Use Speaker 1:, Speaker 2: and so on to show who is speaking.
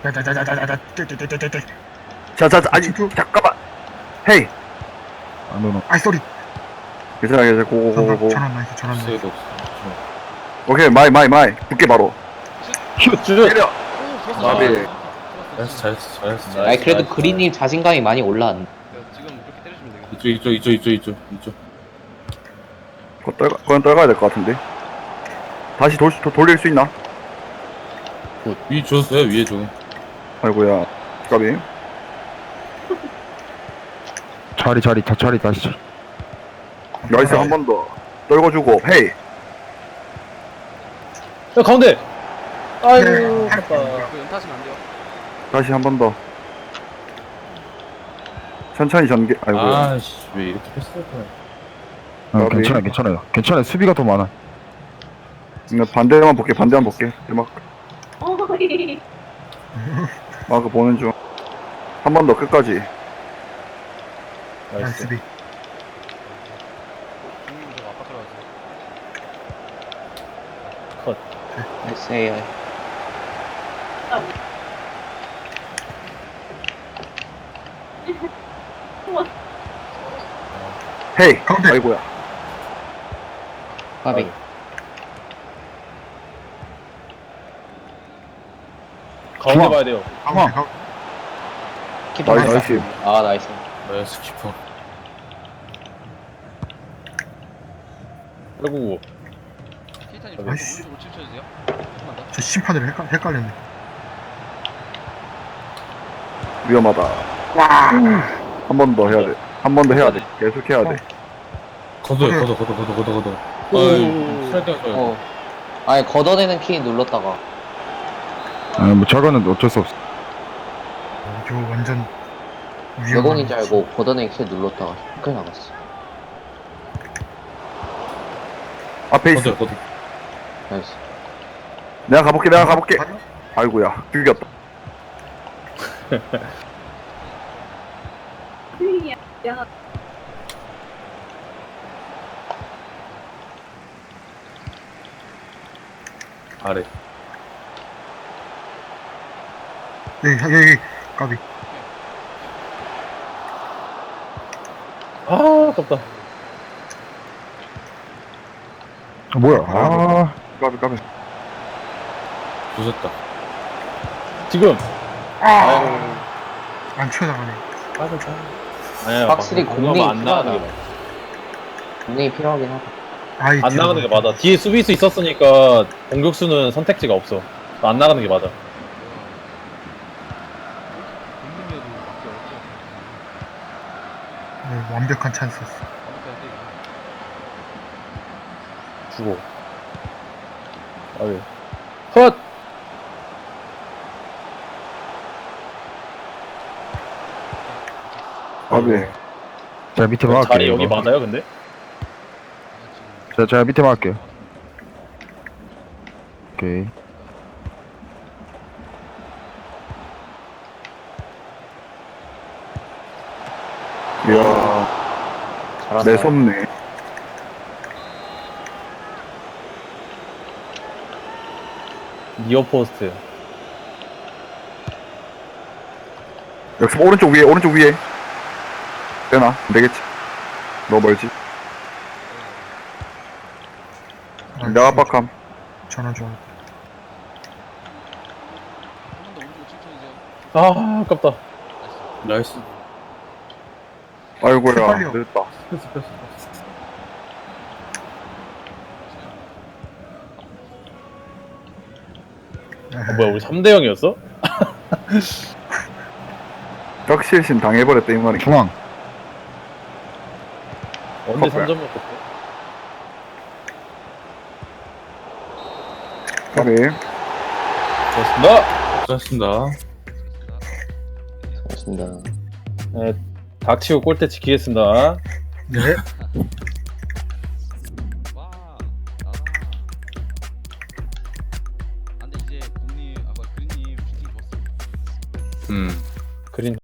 Speaker 1: 야야야야야야 떼떼떼떼떼.
Speaker 2: 자, 아니, 잠깐만. 헤이.
Speaker 3: 아, 노노.
Speaker 1: 아이 쏘리.
Speaker 2: 괜찮아, 고고고고.
Speaker 1: 전환 나이스 전환 나이스.
Speaker 4: 수혜도 없어.
Speaker 2: 오케이, 마이. 붙게 바로.
Speaker 3: 슛!
Speaker 2: 때려.
Speaker 4: 아,
Speaker 2: 나비.
Speaker 4: 잘했어.
Speaker 5: 아니 그래도 그린님 자신감이 많이 올라왔네.
Speaker 6: 지금 그렇게 때려주면 되겠다.
Speaker 4: 이쪽.
Speaker 2: 그건 떨가야 될 것 같은데. 다시 돌릴 수 있나?
Speaker 4: 위 줬어요, 위에 줘.
Speaker 2: 아이고야. 까비.
Speaker 3: 자리 다시.
Speaker 2: 나이스 한 번 더. 떨궈주고, 헤이.
Speaker 6: 야 가운데. 아이고
Speaker 1: 네.
Speaker 6: 아깝다. 그 연타하시면 안 돼요.
Speaker 2: 다시 한 번 더. 천천히 전개. 아이고야.
Speaker 4: 아씨, 왜 이렇게 패스할 거야?
Speaker 3: 아, 괜찮아요. 수비가 더 많아.
Speaker 2: 나 반대만 볼게. 대막. 마크 보는 중. 한 번 더 끝까지.
Speaker 1: 나이스 비.
Speaker 6: 중립 저 아빠 들어가세요.
Speaker 5: 나이스 AI.
Speaker 2: 헤이.
Speaker 1: 가운데.
Speaker 2: 아이고야.
Speaker 5: 까비.
Speaker 6: 가운데
Speaker 3: 중앙.
Speaker 6: 봐야 돼요.
Speaker 1: 가운데.
Speaker 5: 키퍼
Speaker 2: 나이스.
Speaker 5: 나이스. 아 나이스.
Speaker 4: 나이스 키퍼.
Speaker 6: 아이고.
Speaker 1: 나이스.
Speaker 6: 티타님 오른쪽으로 칠쳐주세요. 조금만 더.
Speaker 1: 저 심판들 헷갈렸네.
Speaker 2: 위험하다. 한 번 더 해야 돼. 한 번 더 해야 돼. 계속 해야 돼.
Speaker 4: 걷어. 아유, 살짝 져요.
Speaker 5: 어. 아니 걷어내는 키 눌렀다가.
Speaker 3: 뭐 저거는 어쩔 수 없어.
Speaker 1: 이거 완전
Speaker 5: 외공인 줄 알고 걷어내는 키 눌렀다가 큰일 나갔어.
Speaker 2: 앞에 있어.
Speaker 4: 걷어.
Speaker 5: 나이스.
Speaker 2: 내가 가볼게. 아이고야. 죽였다.
Speaker 4: 아래.
Speaker 1: 여기 까비.
Speaker 6: 아 아깝다.
Speaker 3: 뭐야? 아,
Speaker 2: 까비.
Speaker 4: 부쉈다.
Speaker 6: 지금.
Speaker 1: 안 튀어나가네.
Speaker 6: 아니야.
Speaker 5: 확실히 공이
Speaker 6: 안 나가는 게
Speaker 5: 필요하다.
Speaker 6: 맞아.
Speaker 5: 공이 필요하긴 하다.
Speaker 1: 아이
Speaker 6: 안 나가는 게 맞아. 뒤에 수비수 있었으니까 공격수는 선택지가 없어. 안 나가는 게 맞아.
Speaker 1: 네, 완벽한 찬스였어.
Speaker 6: 주고. 아유. 헛.
Speaker 2: 까비.
Speaker 3: 제가 밑에 막을게요.
Speaker 6: 자리 여기
Speaker 3: 이거.
Speaker 6: 맞아요, 근데?
Speaker 3: 제가 밑에 막을게요. 오케이.
Speaker 2: 이야.
Speaker 5: 잘한다.
Speaker 2: 매섭네.
Speaker 6: 니어 포스트.
Speaker 2: 역시 오른쪽 위에. 되나? 안 되겠지. 너무 멀지. 내가 압박함.
Speaker 1: 전환 좀.
Speaker 6: 아, 아깝다.
Speaker 4: 나이스.
Speaker 2: 아이고야.
Speaker 1: 헷갈려.
Speaker 2: 늦었다.
Speaker 4: 패스.
Speaker 6: 뭐야, 우리 3대 0이었어?
Speaker 2: 격실신 당해버렸다 이 말이.
Speaker 3: 중앙.
Speaker 6: 언제
Speaker 2: 커플.
Speaker 6: 3점 먹었어?
Speaker 2: 까비.
Speaker 6: 고맙습니다.
Speaker 4: 잘했습니다.
Speaker 5: 고맙습니다.
Speaker 6: 네, 닥치고 골대 지키겠습니다.
Speaker 1: 네.
Speaker 6: 그린